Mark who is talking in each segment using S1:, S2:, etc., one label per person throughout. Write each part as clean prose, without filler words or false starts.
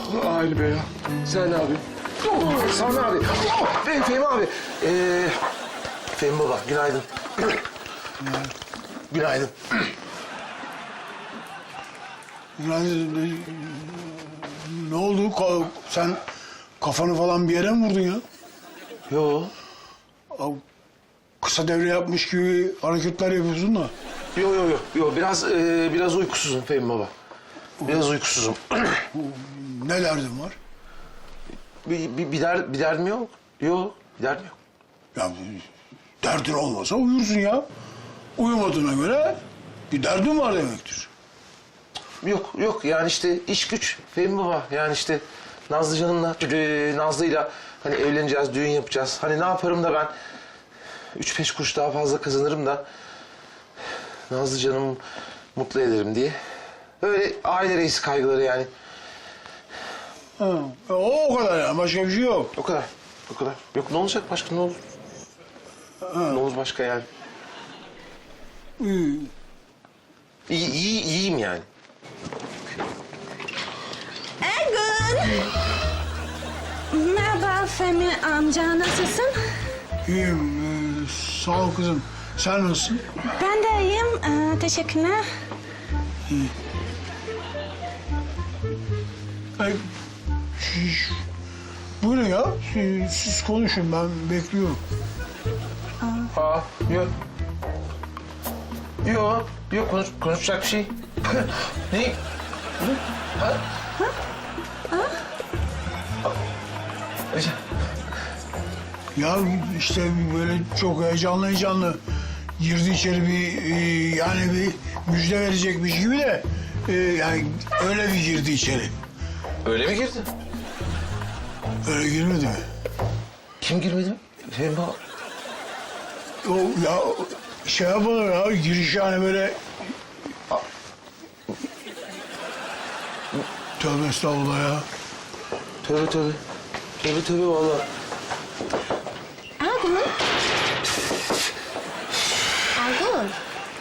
S1: Hayır be ya. Sen ne yapıyorsun? Sami abi. Fehmi abi. Fehmi baba günaydın. Günaydın.
S2: Yani ne oldu? Sen kafanı falan bir yere mi vurdun ya?
S1: Yo.
S2: Kısa devre yapmış gibi hareketler yapıyorsun da.
S1: Yo. Biraz uykusuzum Fehmi baba. Biraz uykusuzum.
S2: Ne derdin var?
S1: Bir derdim yok. Yok, bir derdim yok.
S2: Ya derdin olmasa uyursun ya. Uyumadığına göre bir derdin var demektir.
S1: Yok yani işte iş güç Fehmi baba. Yani işte Nazlı canımla, Nazlı'yla hani evleneceğiz, düğün yapacağız. Hani ne yaparım da ben 3-5 kuruş daha fazla kazanırım da Nazlı canımı mutlu ederim diye. Öyle aile reisi kaygıları yani.
S2: Ha. O kadar yani, başka bir şey yok.
S1: O kadar. Yok ne olacak başka ne olur? Ne olur başka yani? İyiyim yani.
S3: Ergun! Merhaba Fehmi amca, nasılsın?
S2: İyiyim. Sağ ol kızım. Sen nasılsın?
S3: Ben de iyiyim, teşekkürler.
S2: Buyurun ya. Siz konuşun, ben bekliyorum.
S1: Yok konuşacak bir şey. Ne?
S2: Ya işte böyle çok heyecanlı girdi içeri yani bir müjde verecekmiş gibi de yani öyle bir girdi içeri.
S1: Öyle mi girdi?
S2: Öyle girmedi mi?
S1: Kim girmedi? Fehmi baba.
S2: O ya şey yapalım ya, giriş yani böyle... Tövbe estağfurullah ya.
S1: Tövbe vallahi.
S3: Ergun,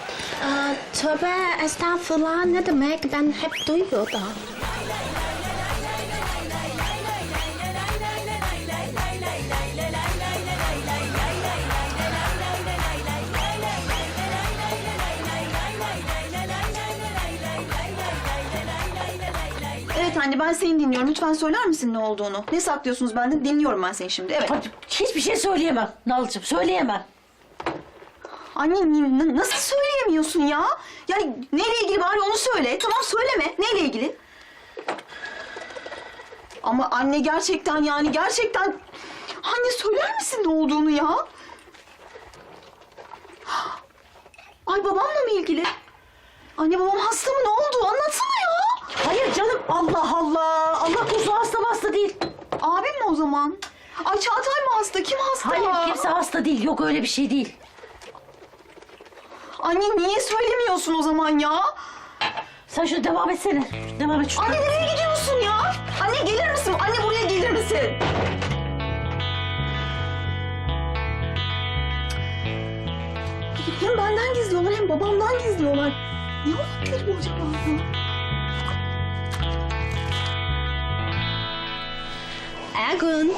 S3: tövbe estağfurullah ne demek? Ben hep duyuyordum.
S4: Evet anne ben seni dinliyorum. Lütfen söyler misin ne olduğunu? Ne saklıyorsunuz benden? Dinliyorum ben seni şimdi. Evet.
S5: Hiçbir şey söyleyemem Nalcığım, söyleyemem.
S4: Anne nasıl söyleyemiyorsun ya? Yani neyle ilgili bari onu söyle. Tamam söyleme. Neyle ilgili? Ama anne gerçekten yani gerçekten... Anne söyler misin ne olduğunu ya? Ay babamla mı ilgili? Anne babam hasta mı? Ne oldu? Anlatsana ya.
S5: Hayır canım, Allah Allah. Allah korusun, hasta değil.
S4: Abim mi o zaman? Ay Çağatay mı hasta? Kim hasta?
S5: Hayır, kimse hasta değil. Yok öyle bir şey değil.
S4: Anne niye söylemiyorsun o zaman ya?
S5: Sen şunu devam etsene. Devam et şunu.
S4: Anne nereye gidiyorsun ya? Anne gelir misin? Anne buraya gelir misin? Hem benden gizliyorlar hem babamdan gizliyorlar. Ne olabilir bu acaba ya?
S3: Ergun.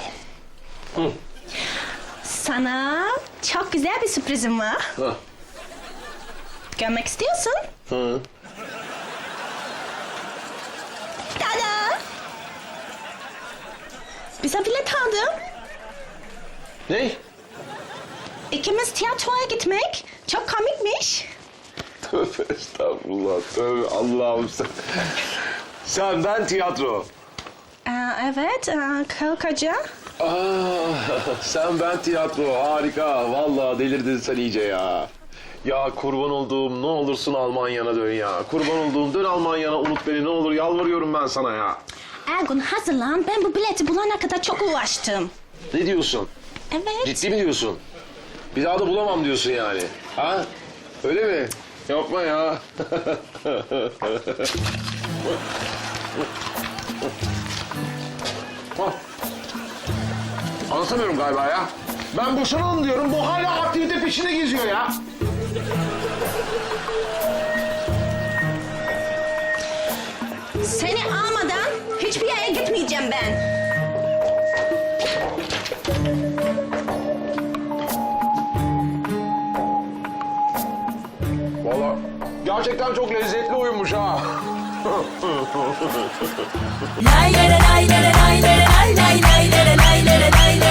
S3: Sana çok güzel bir sürprizim var. Görmek istiyorsun? Tada! Bize bilet aldım.
S1: Ne?
S3: İkimiz tiyatroya gitmek. Çok komikmiş.
S1: Tövbe estağfurullah. Tövbe Allah'ım sen. Sen ben tiyatro.
S3: Evet, Kalkaca.
S1: Sen ben tiyatro. Harika. Vallahi delirdin sen iyice ya. Ya kurban olduğum ne olursun Almanya'na dön ya. Kurban olduğum dön Almanya'na, unut beni ne olur, yalvarıyorum ben sana ya.
S3: Ergun hazırlan. Ben bu bileti bulana kadar çok uğraştım.
S1: Ne diyorsun?
S3: Evet.
S1: Ciddi mi diyorsun? Bir daha da bulamam diyorsun yani. Ha? Öyle mi? Yapma ya. Anlatamıyorum galiba ya. Ben boşanalım diyorum, bu hala aktivite peşinde geziyor ya.
S3: Seni almadan hiçbir yere gideceğim ben.
S1: Valla gerçekten çok lezzetli oyunmuş ha.
S6: Lay lay lay lay lay lay lay lay lay lay lay lay lay